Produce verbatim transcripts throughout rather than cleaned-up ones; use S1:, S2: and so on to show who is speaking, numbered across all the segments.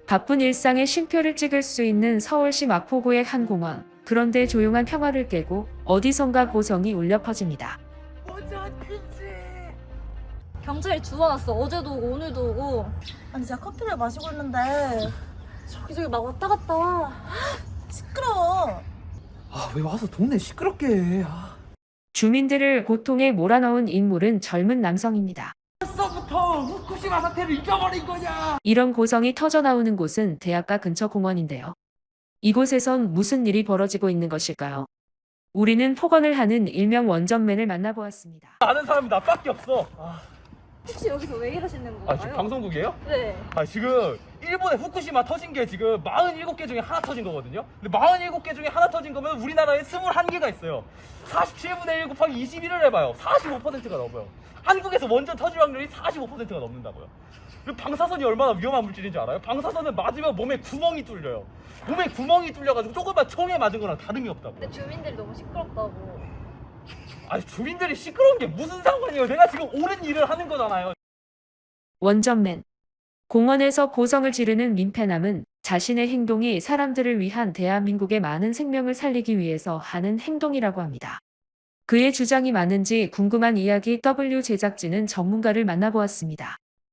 S1: 바쁜 일상에 쉼표를 찍을 수 있는 서울시 마포구의 한 공원. 그런데 조용한 평화를 깨고 어디선가 고성이 울려 퍼집니다.
S2: 경찰이 주워놨어. 어제도 오고 오늘도 오고.
S3: 아니 제가 커피를 마시고 있는데 저기저기 막 왔다 갔다 시끄러워.
S4: 아, 왜 와서 동네 시끄럽게 해. 아.
S1: 주민들을 고통에 몰아넣은 인물은 젊은 남성입니다.
S4: 벌써부터 후쿠시마 사태를 잊어버린 거냐?
S1: 이런 고성이 터져나오는 곳은 대학가 근처 공원인데요. 이곳에선 무슨 일이 벌어지고 있는 것일까요? 우리는 폭언을 하는 일명 원전맨을 만나보았습니다.
S4: 아는 사람이 나밖에 없어. 아,
S2: 혹시 여기서 왜 이러시는 건가요?
S4: 아 지금 방송국이에요?
S2: 네.
S4: 아 지금 일본에 후쿠시마 터진 게 지금 사십칠 개 중에 하나 터진 거거든요. 근데 사십칠 개 중에 하나 터진 거면 우리나라에 이십일 개가 있어요. 사십칠분의 일 곱하기 이십일을 해봐요. 사십오 퍼센트가 넘어요. 한국에서 원전 터질 확률이 사십오 퍼센트가 넘는다고요. 그리고 방사선이 얼마나 위험한 물질인지 알아요? 방사선을 맞으면 몸에 구멍이 뚫려요. 몸에 구멍이 뚫려가지고 조금만 총에 맞은 거랑 다름이 없다고.
S2: 근데 주민들이 너무 시끄럽다고.
S4: 아니 주민들이 시끄러운 게 무슨 상관이에요? 내가 지금 옳은 일을 하는 거잖아요.
S1: 원전맨. 공원에서 고성을 지르는 민폐남은 자신의 행동이 사람들을 위한 대한민국의 많은 생명을 살리기 위해서 하는 행동이라고 합니다. 그의 주장이 맞는지 궁금한 이야기 W 제작진은 전문가를 만나보았습니다.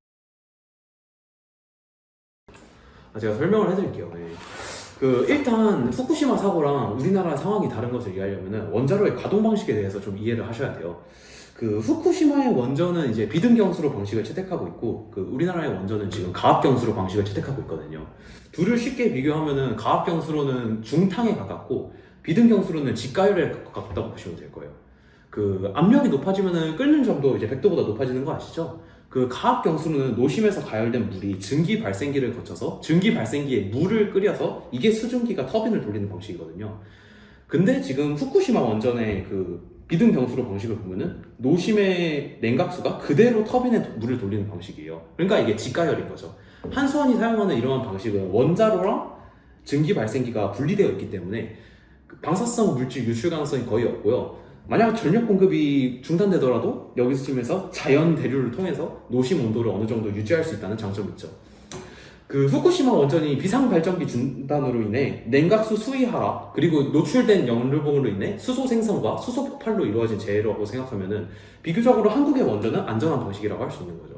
S5: 제가 설명을 해드릴게요. 네. 그 일단 후쿠시마 사고랑 우리나라 상황이 다른 것을 이해하려면 원자로의 가동 방식에 대해서 좀 이해를 하셔야 돼요. 그 후쿠시마의 원전은 이제 비등경수로 방식을 채택하고 있고, 그 우리나라의 원전은 지금 가압경수로 방식을 채택하고 있거든요. 둘을 쉽게 비교하면은 가압경수로는 중탕에 가깝고 비등경수로는 직가열에 가깝다고 보시면 될 거예요. 그 압력이 높아지면은 끓는 점도 이제 백 도보다 높아지는 거 아시죠? 그 가압경수로는 노심에서 가열된 물이 증기 발생기를 거쳐서 증기 발생기에 물을 끓여서 이게 수증기가 터빈을 돌리는 방식이거든요. 근데 지금 후쿠시마 원전의 그 비등경수로 방식을 보면은 노심의 냉각수가 그대로 터빈에 물을 돌리는 방식이에요. 그러니까 이게 직가열인 거죠. 한수원이 사용하는 이러한 방식은 원자로랑 증기 발생기가 분리되어 있기 때문에 방사성 물질 유출 가능성이 거의 없고요. 만약 전력 공급이 중단되더라도 여기서쯤에서 자연 대류를 통해서 노심 온도를 어느 정도 유지할 수 있다는 장점이 있죠. 그 후쿠시마 원전이 비상 발전기 중단으로 인해 냉각수 수위 하락, 그리고 노출된 연료봉으로 인해 수소 생성과 수소 폭발로 이루어진 재해라고 생각하면은 비교적으로 한국의 원전은 안전한 방식이라고 할 수 있는 거죠.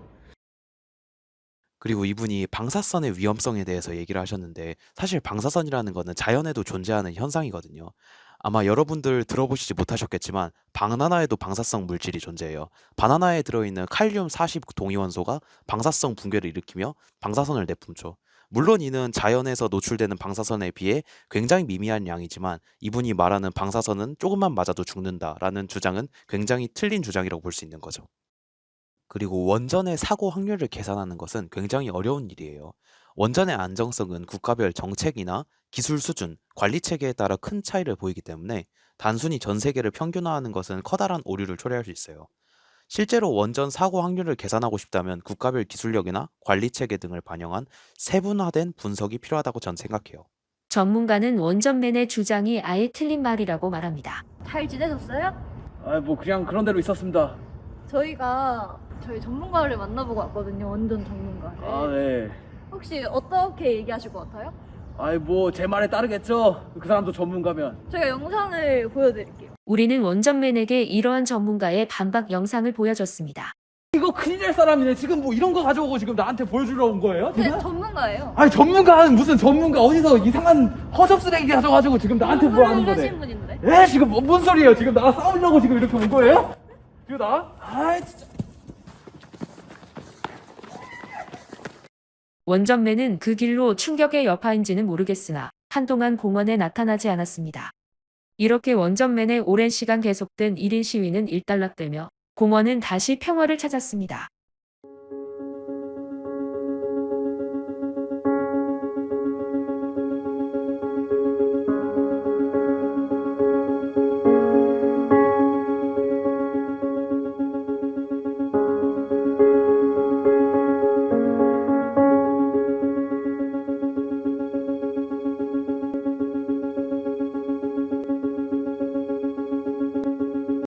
S6: 그리고 이분이 방사선의 위험성에 대해서 얘기를 하셨는데, 사실 방사선이라는 거는 자연에도 존재하는 현상이거든요. 아마 여러분들 들어보시지 못하셨겠지만 바나나에도 방사성 물질이 존재해요. 바나나에 들어있는 칼륨 사십 동위원소가 방사성 붕괴를 일으키며 방사선을 내뿜죠. 물론 이는 자연에서 노출되는 방사선에 비해 굉장히 미미한 양이지만 이분이 말하는 방사선은 조금만 맞아도 죽는다라는 주장은 굉장히 틀린 주장이라고 볼 수 있는 거죠. 그리고 원전의 사고 확률을 계산하는 것은 굉장히 어려운 일이에요. 원전의 안정성은 국가별 정책이나 기술 수준, 관리 체계에 따라 큰 차이를 보이기 때문에 단순히 전 세계를 평균화하는 것은 커다란 오류를 초래할 수 있어요. 실제로 원전 사고 확률을 계산하고 싶다면 국가별 기술력이나 관리 체계 등을 반영한 세분화된 분석이 필요하다고 전 생각해요.
S1: 전문가는 원전맨의 주장이 아예 틀린 말이라고 말합니다.
S2: 잘 지내셨어요?
S4: 아, 뭐 그냥 그런 대로 있었습니다.
S2: 저희가 저희 전문가를 만나보고 왔거든요. 원전 전문가를.
S4: 아, 네.
S2: 혹시 어떻게 얘기하실 것 같아요?
S4: 아이 뭐 제 말에 따르겠죠. 그 사람도 전문가면.
S2: 저희가 영상을 보여드릴게요.
S1: 우리는 원전맨에게 이러한 전문가의 반박 영상을 보여줬습니다.
S4: 이거 큰일 날 사람이네. 지금 뭐 이런 거 가져오고 지금 나한테 보여주러 온 거예요?
S2: 근데
S4: 지금?
S2: 전문가예요.
S4: 아니 전문가는 무슨 전문가, 어디서 이상한 허접 쓰레기 가져가지고 지금 나한테 뭐 하는 거네.
S2: 하신 분인데.
S4: 에 지금 뭐, 뭔 소리예요? 지금 나랑 싸우려고 지금 이렇게 온 거예요? 지금 나? 아이 진짜.
S1: 원전맨은 그 길로 충격의 여파인지는 모르겠으나 한동안 공원에 나타나지 않았습니다. 이렇게 원전맨의 오랜 시간 계속된 일 인 시위는 일단락되며 공원은 다시 평화를 찾았습니다.